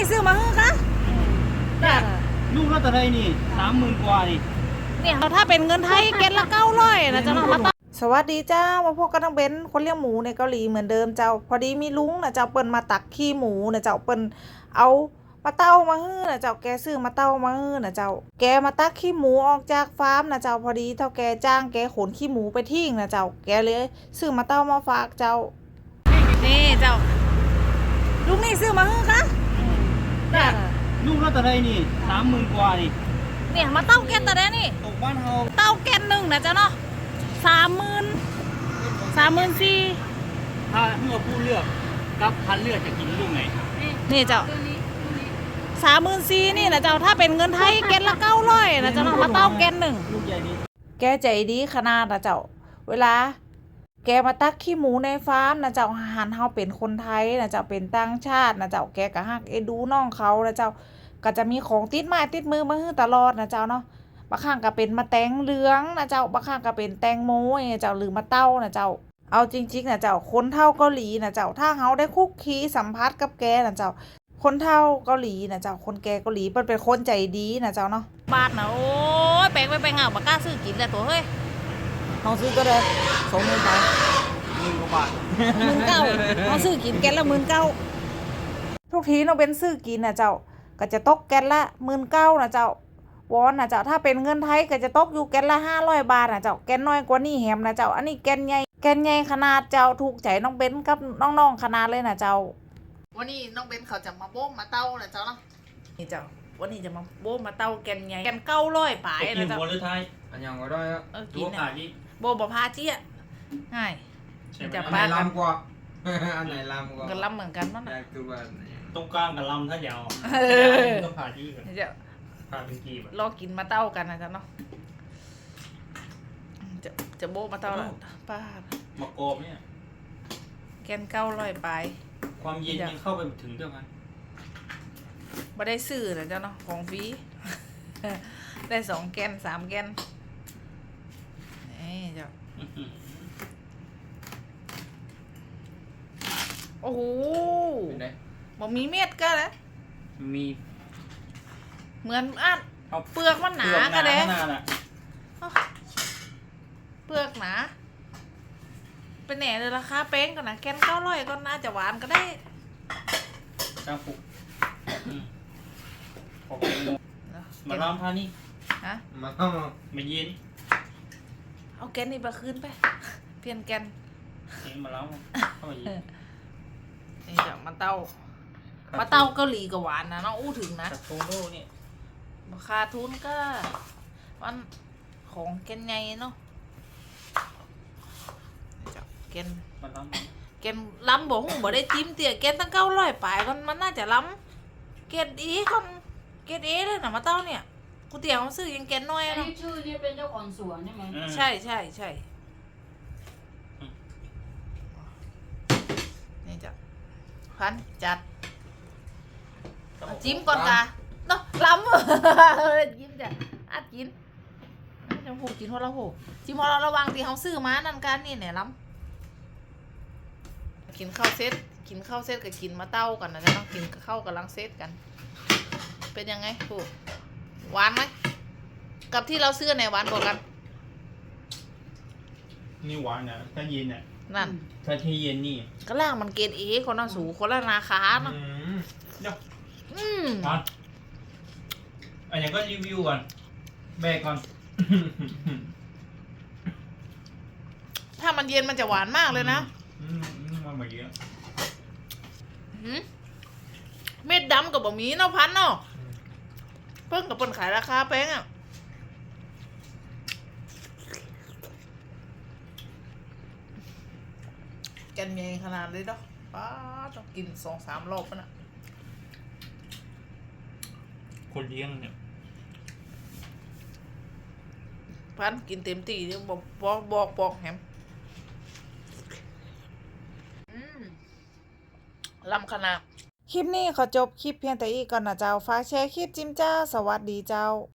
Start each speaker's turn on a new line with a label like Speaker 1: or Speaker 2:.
Speaker 1: ซื้อมาฮื้อคะ
Speaker 2: เนี่ยลูกละเท่าไรนี่30,000 กว่านี่
Speaker 1: เนี่ยถ้าเป็นเงินไทยเก็ตละ900นะเจ้าน้องมาตั้งสวัสดีเจ้ามาพบกันทั้งเบนคนเลี้ยงหมูในเกาหลีเหมือนเดิมเจ้าพอดีมีลุงนะเจ้าเปิ้นมาตักขี้หมูนะเจ้าเปิ้นเอามาเต้ามาฮื้อนะเจ้าแกซื้อมาเต้ามาฮื้อนะเจ้าแกมาตักขี้หมูออกจากฟาร์มนะเจ้าพอดีเท่าแกจ้างแกขนขี้หมูไปทิ้งนะเจ้าแกเลยซื้อมาเต้ามาฝากเจ้านี่เจ้าลุงนี่ซื้อมาฮื้อคะ
Speaker 2: เนี่ยลูกละเท่าไรนี่30,000 กว่านี่
Speaker 1: เนี่ยมาเต้าแกนแต่เด้นี่
Speaker 2: ตกบ้านเฮา
Speaker 1: เต้าแกน1นะเจ้าเนาะ34,000
Speaker 2: ถ้าเมื่อผู้เลือกกับพันเลือกจะกินลูกไหน
Speaker 1: นี่เจ้า34,000นี่นะเจ้าถ้าเป็นเงินไทยแกนละ900นะเจ้าเนาะมาเต้าแกน1
Speaker 2: ลูกใหญ่ดี
Speaker 1: แกใจดีขนาดนะเจ้าเวลาแกมาตักขี้หมูในฟาร์มนะเจ้าหันเฮาเป็นคนไทยนะเจ้าเป็นต่างชาตินะเจ้าแกก็ฮักดูน้องเขานะเจ้าก็จะมีของติดไม้ติดมือมาให้ตลอดนะเจ้าเนาะบางครั้งก็เป็นมะแตงเหลืองนะเจ้าบางครั้งก็เป็นแตงโมนะเจ้าหรือมะเต้านะเจ้าเอาจริงๆนะเจ้าคนเฒ่าเกาหลีนะเจ้าถ้าเฮาได้คุกคีสัมผัสกับแกนะเจ้าคนเฒ่าเกาหลีนะเจ้าคนแก่เกาหลีเปิ้นเป็นคนใจดีนะเจ้าเนาะบาทนะโอ้ยแปลงไปเหงาบ่กล้าซื้อกินแต่ตัวเฮ้ยเฮาซื้อก็ได้20,000ไป
Speaker 2: 10,000 กว่าบาท
Speaker 1: 19,000เฮาซื้อกินแกนละ19,000ทุกทีเราเป็นซื้อกินนะเจ้าก็จะตกแกนละ19,000นะเจ้าวอนนะเจ้าถ้าเป็นเงินไทยก็จะตกอยู่แกนละ500 บาทนะเจ้าแกนน้อยกว่านี้แฮมนะเจ้าอันนี้แกนใหญ่ขนาดเจ้าถูกใจน้องเบนกับน้องๆขนาดเลยนะเจ้าวันนี้น้องเบนเขาจะมาโบ้มาเต้านะเจ้าเนาะนี่เจ้าวันนี้จะมาโบ้มาเต้าแกนใหญ่แกน900ปลายนะเจ้า
Speaker 2: กินหรือไทย
Speaker 3: อันยังก็ได้อะ
Speaker 1: กินนะโบ้บ่พาเจี๊ยง่าย
Speaker 3: จะปลาลำกว่าอันไหนลำกว่า
Speaker 1: ก็ลำเหมือนกันมั้งนะ
Speaker 3: คือว่า
Speaker 2: ตรงกลางกับลำถ้ายาวต้องผ่าที่กัน
Speaker 1: จะ
Speaker 2: ผ่าเป็นกีบ
Speaker 1: รอกินมาเต้ากันนะจ๊ะเนาะจะโบมาเต้าละป้
Speaker 2: ามากรอบเนี่ย
Speaker 1: แกน900ปลาย
Speaker 2: ความเย็นยังเข้าไปถึงเท่ากัน
Speaker 1: บ่ได้ซื้อนะจ๊ะเนาะของฟรีได้2 แกน 3 แกนนี่จ้ะโอ้โหบ่มีเม็ดก็แล้ว
Speaker 2: มี
Speaker 1: เหมือนอัดเปลือกมันหนาก็เด้เปลือกหนาเป็นแหน่เลยราคาเป้งก่อนนะแกน900ก็น่าจะหวานก็ได้
Speaker 2: จ้างปุกมาล้อมท่านี่
Speaker 1: ฮะ
Speaker 2: มาเย็น
Speaker 1: เอาแกนนี่ไปคืนไปเปลี่ยนแกน
Speaker 2: นี่มาล้อมเข้ามาเย็น
Speaker 1: นี่จะมาเต้าเกาหลีกับหวานนะน้องอู้ถึงนะ
Speaker 2: โตโน่เนี่ย
Speaker 1: ราคาทุนก็มันของแกนใหญ่เนาะแกนล้ำบ่ได้จิ้มเตี๋ยแกนตั้ง900ปลายมันน่าจะล้ำแกนเอเลยนะมาเต้าเนี่ยกูเตี๋ยเขาซื้อยังแกนน้อยเนาะ
Speaker 4: ชื่อนี่เป็นเจ้าของสวนใช่ไหม
Speaker 1: ใช่นี่จ้ะพันจัดจิ้มก่อนกะเนาะล้ำจิ้มจ้ะอัดกินจะผูกกินหัวเราผูกจิ้มหัวเราระวังที่เขาซื้อมานั่นกันนี่เนี่ยล้ำกินข้าวเซตกับกินมาเต้ากันนะจะต้องกินข้าวกับลังเซตกันเป็นยังไงผูกหวานไหมกับที่เราซื้อไหนหวานกว่ากัน
Speaker 2: นี่หวานนะถ้าเย็นอ่ะ
Speaker 1: นั่น
Speaker 2: ถ้าที่เย็นนี่
Speaker 1: ก็ล่างมันเกณฑ์คนละสูคนละราคาเนาะ
Speaker 2: อันนี้ก็รีวิวก่อนแบกก่อน
Speaker 1: ถ้ามันเย็นมันจะหวานมากเลยนะ
Speaker 2: มันมาเยอะ
Speaker 1: เม็ดดำกับบะหมี่เนาะพันเนาะเพิ่งกับเปิ้นขายราคาแพงอ่ะแกนใหญ่ขนาดเลยเนาะป้าต้องกิน2-3 รอบนะ
Speaker 2: คนเลี้ยงเนี่ย
Speaker 1: พันกินเต็มที่เดี๋ยวบอกแฮมลำขนาดคลิปนี้ขอจบคลิปเพียงแต่อีกก่อนนะเจ้าฝากแชร์คลิปจิ้มจ้าสวัสดีเจ้า